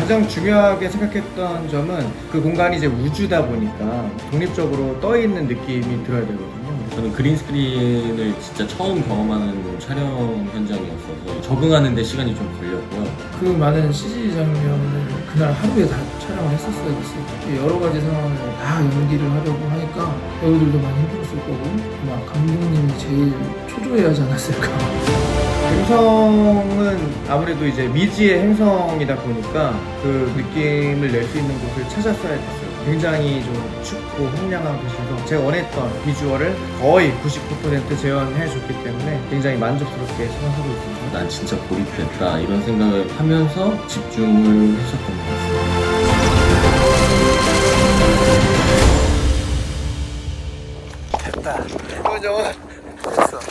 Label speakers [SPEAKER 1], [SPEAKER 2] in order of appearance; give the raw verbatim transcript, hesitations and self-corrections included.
[SPEAKER 1] 가장 중요하게 생각했던 점은 그 공간이 이제 우주다 보니까 독립적으로 떠 있는 느낌이 들어야 되거든요.
[SPEAKER 2] 저는 그린 스크린을 진짜 처음 경험하는 촬영 현장이었어서 적응하는 데 시간이 좀 걸렸고요.
[SPEAKER 3] 그 많은 씨지 장면을 그날 하루에 다 촬영을 했었어야 됐어요. 여러 가지 상황을 다 연기를 하려고 하니까 배우들도 많이 힘들었을 거고 아마 감독님이 제일 초조해 하지 않았을까.
[SPEAKER 1] 행성은 아무래도 이제 미지의 행성이다 보니까 그 느낌을 낼 수 있는 곳을 찾았어야 됐어요. 굉장히 좀 춥고 황량한 곳이어서 제가 원했던 비주얼을 거의 구십구 퍼센트 재현해 줬기 때문에 굉장히 만족스럽게 생각하고 있습니다.
[SPEAKER 2] 난 진짜 고립됐다 이런 생각을 하면서 집중을 했었던 것 같습니다.
[SPEAKER 1] 됐다. 이거죠. 됐어.